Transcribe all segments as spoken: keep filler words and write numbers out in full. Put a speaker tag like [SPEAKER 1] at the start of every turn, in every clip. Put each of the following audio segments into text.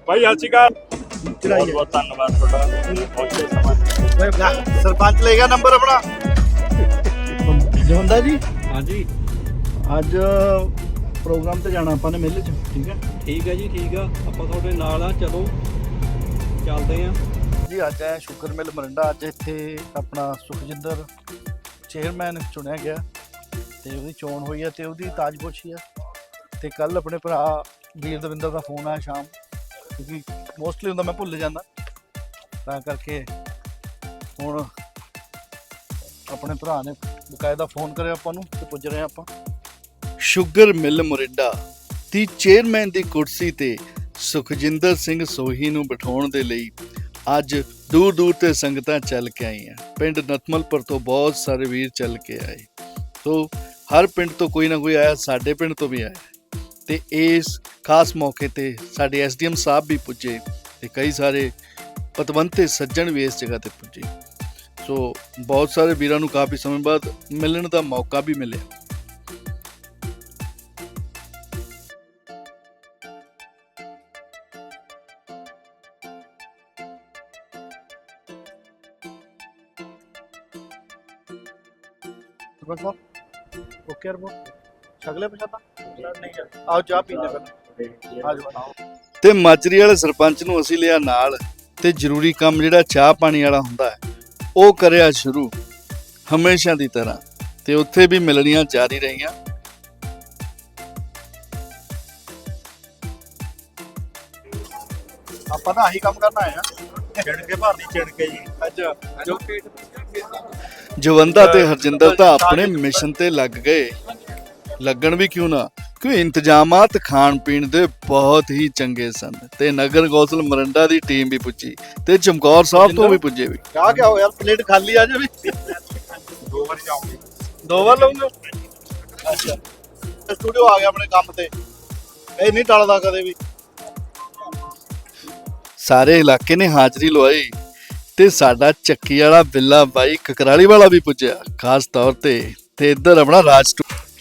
[SPEAKER 1] ਭਾਈ ਸਤਿ ਸ਼੍ਰੀ ਅਕਾਲ।
[SPEAKER 2] ਚੜਾਈ
[SPEAKER 1] ਬਹੁਤ ਬਹੁਤ ਧੰਨਵਾਦ ਤੁਹਾਡਾ ਪਹੁੰਚੇ ਸਮਾਂ।
[SPEAKER 2] ਸਰਪੰਚ ਲੈ ਗਿਆ ਨੰਬਰ ਆਪਣਾ ਜਵੰਦਾ ਜੀ।
[SPEAKER 3] ਹਾਂਜੀ
[SPEAKER 2] ਅੱਜ ਪ੍ਰੋਗਰਾਮ ਤੇ ਜਾਣਾ ਆਪਾਂ ਨੇ ਮੇਲੇ 'ਚ, ਠੀਕ ਹੈ
[SPEAKER 3] ਠੀਕ ਹੈ ਜੀ, ਠੀਕ ਆ। ਆਪਾਂ ਤੁਹਾਡੇ ਨਾਲ ਆ, ਚਲੋ ਚੱਲਦੇ ਆ
[SPEAKER 2] ਜੀ। ਅੱਜ ਹੈ ਸ਼ੁਕਰ ਮਿਲ ਮਰਿੰਡਾ। ਅੱਜ ਇੱਥੇ ਆਪਣਾ ਸੁਖਜਿੰਦਰ ਚੇਅਰਮੈਨ ਚੁਣਿਆ ਗਿਆ ਤੇ ਉਹਦੀ ਚੋਣ ਹੋਈ ਹੈ ਤੇ ਉਹਦੀ ਤਾਜਪੋਸ਼ੀ ਆ। ਤੇ ਕੱਲ ਆਪਣੇ ਭਰਾ ਵੀਰ ਦਵਿੰਦਰ ਦਾ ਫੋਨ ਆਇਆ ਸ਼ਾਮ, ਕਿਉਂਕਿ ਮੋਸਟਲੀ ਹੁੰਦਾ ਮੈਂ ਭੁੱਲ ਜਾਂਦਾ, ਤਾਂ ਕਰਕੇ ਹੁਣ ਆਪਣੇ ਭਰਾ ਨੇ ਬਕਾਇਦਾ ਫੋਨ ਕਰਿਆ ਆਪਾਂ ਨੂੰ ਤੇ ਪੁੱਜ ਰਹੇ ਆਪਾਂ ਸ਼ੂਗਰ ਮਿਲ ਮੋਰਿੰਡਾ ਦੀ ਚੇਅਰਮੈਨ ਦੀ ਕੁਰਸੀ ਤੇ ਸੁਖਜਿੰਦਰ ਸਿੰਘ ਸੋਹੀ ਨੂੰ ਬਿਠਾਉਣ ਦੇ ਲਈ ਅੱਜ ਦੂਰ ਦੂਰ ਤੇ ਸੰਗਤਾਂ ਚੱਲ ਕੇ ਆਈਆਂ। ਪਿੰਡ ਨਤਮਲਪੁਰ ਤੋਂ ਬਹੁਤ ਸਾਰੇ ਵੀਰ ਚੱਲ ਕੇ ਆਏ, ਸੋ ਹਰ ਪਿੰਡ ਤੋਂ ਕੋਈ ਨਾ ਕੋਈ ਆਇਆ, ਸਾਡੇ ਪਿੰਡ ਤੋਂ ਵੀ ਆਇਆ। ਤੇ ਇਸ ਖਾਸ ਮੌਕੇ ਤੇ ਸਾਡੇ ਐਸ ਡੀ ਐਮ ਸਾਹਿਬ ਵੀ ਪੁੱਜੇ ਤੇ ਕਈ ਸਾਰੇ ਪਤਵੰਤੇ ਸੱਜਣ ਵੀ ਇਸ ਜਗ੍ਹਾ ਤੇ ਪੁੱਜੇ। ਸੋ ਬਹੁਤ ਸਾਰੇ ਵੀਰਾਂ ਨੂੰ ਕਾਫੀ ਸਮੇਂ ਬਾਅਦ ਮਿਲਣ ਦਾ ਮੌਕਾ ਵੀ ਮਿਲਿਆ। ਓਕੇ ਛਗਲੇ ਪਛਾਤਾ ਨਹੀਂ ਆਓ ਚਾਹ ਪੀਣੇ ਪਹਿਲਾਂ। ਤੇ ਮਾਜਰੀ ਵਾਲੇ ਸਰਪੰਚ ਨੂੰ ਅਸੀਂ ਲਿਆ ਨਾਲ ਤੇ ਜ਼ਰੂਰੀ ਕੰਮ ਜਿਹੜਾ ਚਾਹ ਪਾਣੀ ਵਾਲਾ ਹੁੰਦਾ ਹੈ ਉਹ ਕਰਿਆ ਸ਼ੁਰੂ ਹਮੇਸ਼ਾ ਦੀ ਤਰ੍ਹਾਂ, ਤੇ ਉੱਥੇ ਵੀ ਮਿਲਣੀਆਂ ਜਾਰੀ ਰਹੀਆਂ। ਆਪਾਂ ਤਾਂ ਆਹੀ ਕੰਮ ਕਰਨਾ ਹੈ,
[SPEAKER 1] ਚਿਣ ਕੇ ਭਰਨੀ ਚਿਣ ਕੇ ਜੀ।
[SPEAKER 2] ਅੱਛਾ ਜੋ ਜਵੰਦਾ ਤੇ ਹਰਜਿੰਦਰ ਤਾਂ ਆਪਣੇ ਮਿਸ਼ਨ ਤੇ ਲੱਗ ਗਏ। ਲੱਗਣ ਵੀ ਕਿਉਂ ਨਾ, ਕਿਉਂਕਿ ਇੰਤਜ਼ਾਮਾਤ ਖਾਣ ਪੀਣ ਦੇ ਬਹੁਤ ਹੀ ਚੰਗੇ ਸਨ ਤੇ ਨਗਰ ਕੌਂਸਲ ਮਰਿੰਡਾ ਦੀ ਟੀਮ ਵੀ ਪੁੱਜੀ ਤੇ ਚਮਕੌਰ ਸਾਹਿਬ ਤੋਂ ਵੀ ਪੁੱਜੇ ਵੀ। ਕਿਆ ਕਿਆ ਹੋ ਯਾਰ, ਪਲੇਟ ਖਾਲੀ ਆ ਜਾਵੇ।
[SPEAKER 1] ਦੋ ਵਾਰੀ ਜਾਉਂਗੇ,
[SPEAKER 2] ਦੋ ਵਾਰ ਲਊਂਗੇ। ਅੱਛਾ ਸਟੂਡੀਓ ਆ ਗਿਆ ਆਪਣੇ ਕੰਮ ਤੇ, ਇਹ ਨਹੀਂ ਟਲਦਾ ਕਦੇ ਵੀ। ਸਾਰੇ ਇਲਾਕੇ ਨੇ ਹਾਜ਼ਰੀ ਲਵਾਈ ਤੇ ਸਾਡਾ ਚੱਕੀ ਵਾਲਾ ਬਿੱਲਾ ਬਾਈ ਕਕਰਾਲੀ ਵਾਲਾ ਵੀ ਪੁੱਜਿਆ ਖਾਸ ਤੌਰ ਤੇ। ਤੇ ਇੱਧਰ ਆਪਣਾ ਰਾਜ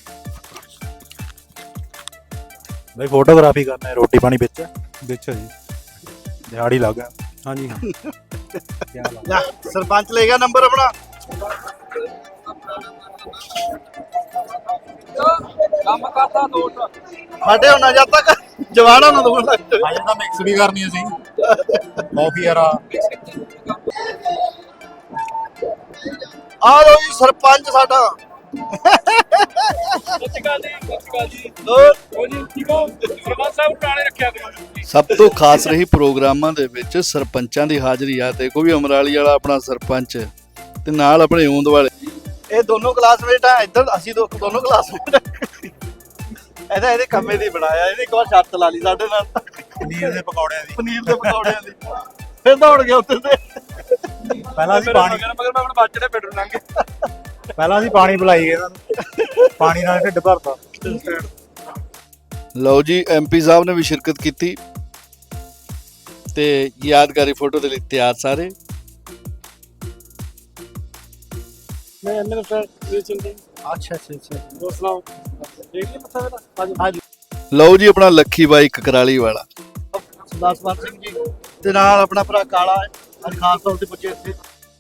[SPEAKER 1] ਭਾਈ ਫੋਟੋਗ੍ਰਾਫੀ ਕਰਨਾ ਹੈ, ਰੋਟੀ ਪਾਣੀ ਵਿੱਚ ਵਿੱਚ ਜੀ, ਦਿਹਾੜੀ ਲੱਗ ਗਿਆ। ਹਾਂਜੀ ਹਾਂ
[SPEAKER 2] ਜਾ ਸਰਪੰਚ ਲੈ ਗਿਆ ਨੰਬਰ ਆਪਣਾ।
[SPEAKER 3] ਕੰਮ ਕਰਦਾ ਦੋਸਤ
[SPEAKER 2] ਸਾਡੇ ਹੁਣ ਜਦ ਤੱਕ ਜਵਾਨਾਂ ਨੂੰ ਦੋਣ ਲੱਗ ਜਾਵੇ।
[SPEAKER 1] ਅਜੇ ਤਾਂ ਮਿਕਸ ਵੀ ਕਰਨੀ ਅਸੀਂ ਕਾਫੀ ਯਾਰਾ।
[SPEAKER 2] ਆ ਲੋ ਜੀ ਸਰਪੰਚ ਸਾਡਾ। ਸਭ ਤੋਂ ਖਾਸ ਰਹੀ ਪ੍ਰੋਗਰਾਮਾਂ ਦੇ ਵਿੱਚ ਸਰਪੰਚਾਂ ਦੀ ਹਾਜ਼ਰੀ ਆ। ਦੇਖੋ ਵੀ ਅਮਰਾਲੀ ਵਾਲਾ ਆਪਣਾ ਸਰਪੰਚ ਤੇ ਨਾਲ ਆਪਣੇ ਊਂਦ ਵਾਲੇ, ਇਹ ਦੋਨੋਂ ਕਲਾਸਮੇਟ ਆ। ਇੱਧਰ ਅਸੀਂ ਦੋ ਦੋਨੋਂ ਕਲਾਸਮੇਟ ਆ। ਇਹਦਾ ਇਹਦੇ ਕੰਮੇ ਦੀ ਬਣਾਇਆ, ਇਹਨੇ ਇੱਕ ਵਾਰ ਸ਼ਰਤ ਲਾ ਲਈ ਸਾਡੇ ਨਾਲ
[SPEAKER 1] ਪਨੀਰ ਦੇ ਪਕੌੜਿਆਂ ਦੀ
[SPEAKER 2] ਪਨੀਰ ਦੇ ਪਕੌੜਿਆਂ ਦੀ। ਫਿਰ ਦੌੜ ਗਿਆ ਉੱਤੇ ਤੇ।
[SPEAKER 1] ਪਹਿਲਾਂ ਅਸੀਂ ਪਾਣੀ
[SPEAKER 3] ਮਗਰ ਮੈਂ ਹੁਣ ਬਾਚੜੇ ਪਿੰਡ ਨੂੰ ਲੰਘ ਗਿਆ।
[SPEAKER 1] ਪਹਿਲਾਂ ਅਸੀਂ ਪਾਣੀ ਪਿਲਾਈ ਗਏ ਇਹਨਾਂ ਨੂੰ, ਪਾਣੀ ਨਾਲ ਢਿੱਡ ਭਰਤਾ।
[SPEAKER 2] ਲਓ ਜੀ ਐਮਪੀ ਸਾਹਿਬ ਨੇ ਵੀ ਸ਼ਿਰਕਤ ਕੀਤੀ ਤੇ ਯਾਦਗਾਰੀ ਫੋਟੋ ਦੇ ਲਈ ਤਿਆਰ ਸਾਰੇ।
[SPEAKER 3] ਮੈਂ ਐਮਐਲ ਫਰੈਂਡ ਚੰਗੀ।
[SPEAKER 2] ਅੱਛਾ ਅੱਛਾ ਅੱਛਾ
[SPEAKER 3] ਦੋਸਤਾਂ ਦੇਖ ਲਈ ਮੱਥਾ ਮੇਰਾ ਅੱਜ।
[SPEAKER 2] ਹਾਂਜੀ ਲਓ ਜੀ ਆਪਣਾ ਲੱਖੀ ਬਾਈ ਕਕਰਾਲੀ ਵਾਲਾ, ਸਰਦਾਰ ਸਵਰਨ ਸਿੰਘ ਜੀ ਤੇ ਨਾਲ ਆਪਣਾ ਭਰਾ ਕਾਲਾ ਅੱਜ ਖਾਸ ਤੌਰ ਤੇ ਪੁੱਜੇ ਇੱਥੇ।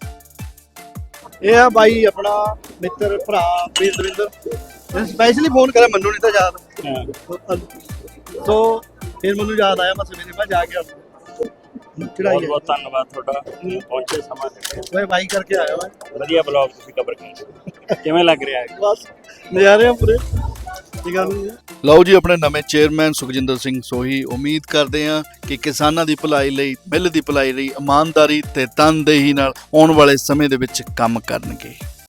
[SPEAKER 2] ਇਹ ਆ ਬਾਈ ਆਪਣਾ ਮਿੱਤਰ ਭਰਾ ਵੀਰ ਦਵਿੰਦਰ, ਸਪੈਸ਼ਲੀ ਫੋਨ ਕਰਿਆ ਮੈਨੂੰ ਨਹੀਂ ਤਾਂ ਯਾਦ। ਸੋ ਫਿਰ ਮੈਨੂੰ ਯਾਦ ਆਇਆ, ਮੈਂ ਸਵੇਰੇ ਮੈਂ ਜਾ ਕੇ ਚੜਾਈ
[SPEAKER 1] ਬਹੁਤ ਬਹੁਤ ਧੰਨਵਾਦ ਤੁਹਾਡਾ ਪਹੁੰਚੇ ਸਮਾਂ ਤੇ।
[SPEAKER 2] ਓਏ ਬਾਈ ਕਰਕੇ ਆਇਆ ਮੈਂ।
[SPEAKER 1] ਵਧੀਆ ਬਲੌਗ ਤੁਸੀਂ ਕਵਰ ਕੀਤਾ, ਕਿਵੇਂ ਲੱਗ ਰਿਹਾ ਹੈ?
[SPEAKER 2] ਬਸ ਨਜ਼ਾਰੇ ਆ ਪੂਰੇ। ਠੀਕ ਆ ਜੀ। ਲਓ ਜੀ ਆਪਣੇ ਨਵੇਂ ਚੇਅਰਮੈਨ ਸੁਖਜਿੰਦਰ ਸਿੰਘ ਸੋਹੀ, ਉਮੀਦ ਕਰਦੇ ਹਾਂ ਕਿ ਕਿਸਾਨਾਂ ਦੀ ਭਲਾਈ ਲਈ, ਮਿੱਲ ਦੀ ਭਲਾਈ ਲਈ ਇਮਾਨਦਾਰੀ ਤੇ ਤਨਦੇਹੀ ਨਾਲ ਆਉਣ ਵਾਲੇ ਸਮੇਂ ਦੇ ਵਿੱਚ ਕੰਮ ਕਰਨਗੇ।